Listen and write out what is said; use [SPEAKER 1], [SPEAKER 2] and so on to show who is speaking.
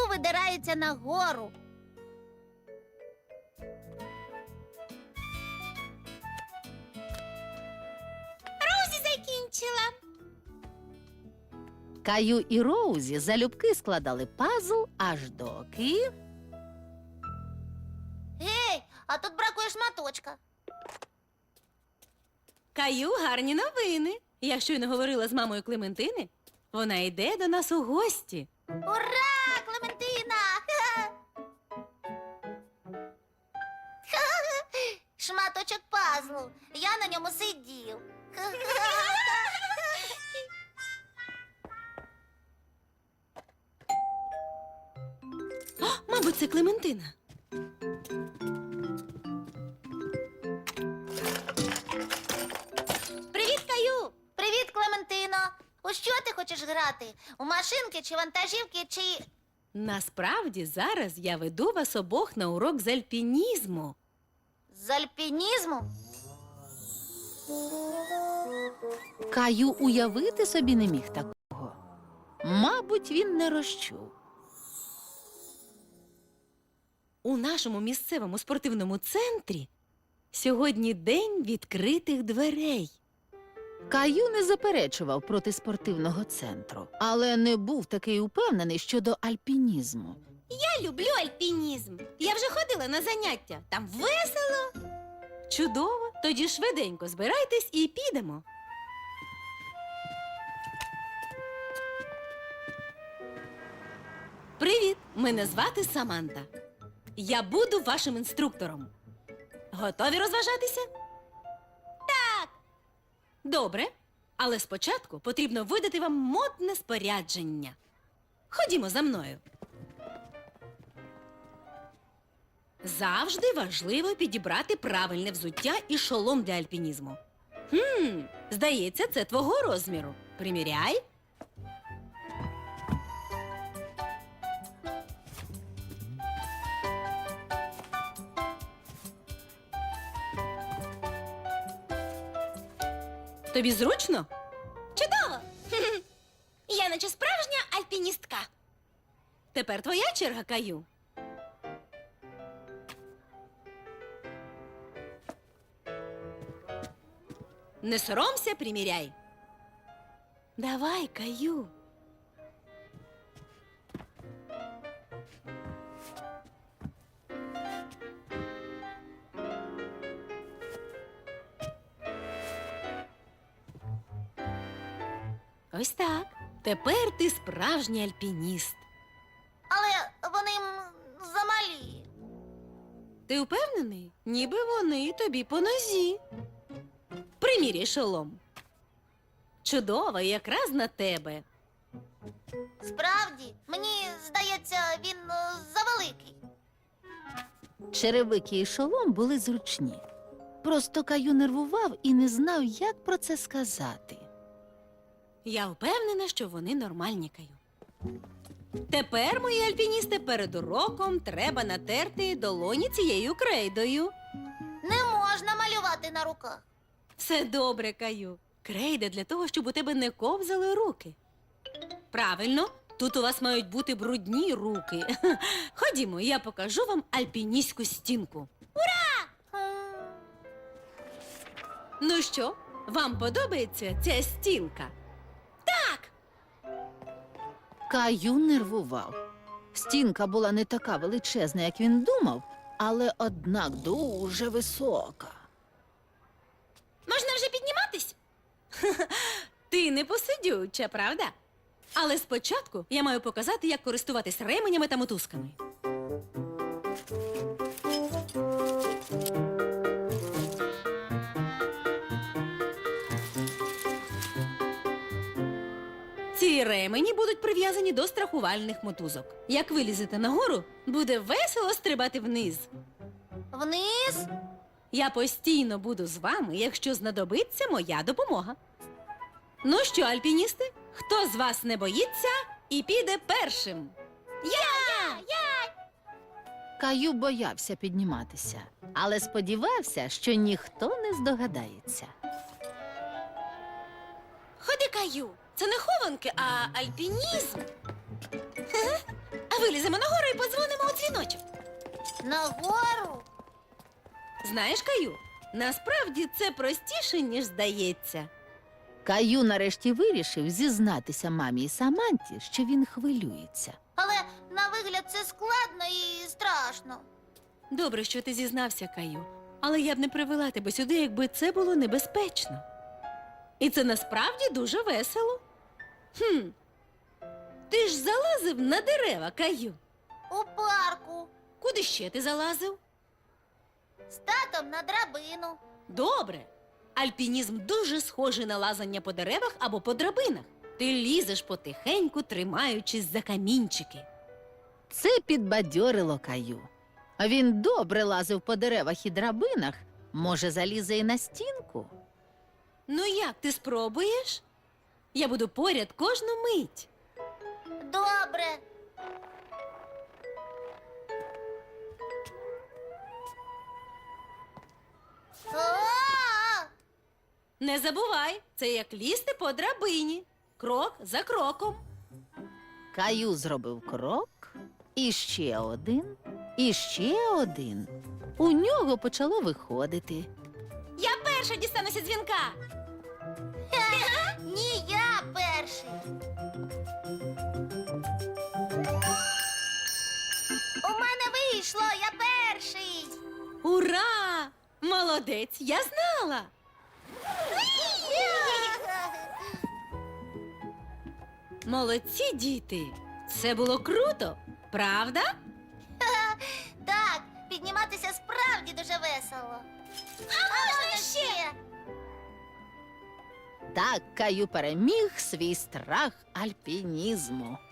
[SPEAKER 1] видирається нагору. Розі закінчила.
[SPEAKER 2] Каю і Роузі залюбки складали пазл, аж доки...
[SPEAKER 1] Гей, а тут бракує шматочка.
[SPEAKER 3] Каю, гарні новини. Я щойно говорила з мамою Клементини. Вона йде до нас у гості.
[SPEAKER 1] Ура, Клементина! Шматочок пазлу. Я на ньому сидів.
[SPEAKER 3] Мабуть, це Клементина.
[SPEAKER 1] Привіт, Каю! Привіт, Клементино! У що ти хочеш грати? У машинки чи вантажівки, чи...
[SPEAKER 3] Насправді, зараз я веду вас обох на урок з альпінізму.
[SPEAKER 1] з альпінізму?
[SPEAKER 2] Каю уявити собі не міг такого. Мабуть, він не розчув.
[SPEAKER 3] У нашому місцевому спортивному центрі сьогодні день відкритих дверей.
[SPEAKER 2] Каю не заперечував проти спортивного центру, але не був такий упевнений щодо альпінізму.
[SPEAKER 3] Я люблю альпінізм. Я вже ходила на заняття. Там весело. Чудово. Тоді швиденько збирайтесь і підемо. Привіт! Мене звати Саманта. Я буду вашим інструктором. Готові розважатися? Так. Добре. Але спочатку потрібно видати вам модне спорядження. Ходімо за мною. Завжди важливо підібрати правильне взуття і шолом для альпінізму. Здається, це твого розміру. Приміряй. Тобі зручно?
[SPEAKER 1] Чудово! Я наче справжня альпіністка.
[SPEAKER 3] Тепер твоя черга, Каю. Не соромся, приміряй. Давай, Каю. Ось так. Тепер ти справжній альпініст.
[SPEAKER 1] Але вони замалі.
[SPEAKER 3] Ти впевнений? Ніби вони тобі по нозі. Приміряй шолом. Чудово, якраз на тебе.
[SPEAKER 1] Справді, мені здається, він завеликий.
[SPEAKER 2] Черевики і шолом були зручні. Просто Каю нервував і не знав, як про це сказати.
[SPEAKER 3] Я впевнена, що вони нормальні, Каю. Тепер, мої альпіністи, перед уроком треба натерти долоні цією крейдою.
[SPEAKER 1] Не можна малювати на руках.
[SPEAKER 3] Все добре, Каю. Крейда для того, щоб у тебе не ковзали руки. Правильно, тут у вас мають бути брудні руки. Ходімо, я покажу вам альпіністську стінку. Ну що, вам подобається ця стінка?
[SPEAKER 2] Каю нервував. Стінка була не така величезна, як він думав, але однак дуже висока.
[SPEAKER 3] Можна вже підніматись? Ти не посидюча, правда? Але спочатку я маю показати, як користуватись ременями та мотузками. Ці ремені будуть прив'язані до страхувальних мотузок. Як вилізете нагору, буде весело стрибати вниз.
[SPEAKER 1] Вниз?
[SPEAKER 3] Я постійно буду з вами, якщо знадобиться моя допомога. Ну що, альпіністи, хто з вас не боїться і піде першим?
[SPEAKER 2] Каю боявся підніматися, але сподівався, що ніхто не здогадається.
[SPEAKER 3] Ходи, Каю, це не хованки, а альпінізм. А Виліземо нагору і подзвонимо у дзвіночок.
[SPEAKER 1] Нагору?
[SPEAKER 3] Знаєш, Каю, насправді це простіше, ніж здається.
[SPEAKER 2] Каю нарешті вирішив зізнатися мамі і Саманті, що він хвилюється.
[SPEAKER 1] Але на вигляд це складно і страшно.
[SPEAKER 3] Добре, що ти зізнався, Каю. Але я б не привела тебе сюди, якби це було небезпечно. І це насправді дуже весело. Ти ж залазив на дерева, Каю.
[SPEAKER 1] У парку.
[SPEAKER 3] Куди ще ти залазив?
[SPEAKER 1] З татом на драбину.
[SPEAKER 3] Добре. Альпінізм дуже схожий на лазання по деревах або по драбинах. Ти лізеш потихеньку, тримаючись за камінчики.
[SPEAKER 2] Це підбадьорило Каю. А він добре лазив по деревах і драбинах, може, залізе і на стінку.
[SPEAKER 3] Ну як, ти спробуєш? Я буду поряд кожну мить.
[SPEAKER 1] Добре. А!
[SPEAKER 3] Не забувай, це як лізти по драбині. Крок за кроком.
[SPEAKER 2] Каю зробив крок, і ще один, і ще один. У нього почало виходити.
[SPEAKER 3] Я перша дістануся дзвінка.
[SPEAKER 1] Ні, я перший. У мене вийшло, я перший.
[SPEAKER 3] Ура! Молодець, я знала. Молодці, діти. Це було круто, правда?
[SPEAKER 1] Так, підніматися справді дуже весело. А можна ще?
[SPEAKER 2] Так Каю переміг свій страх альпінізму.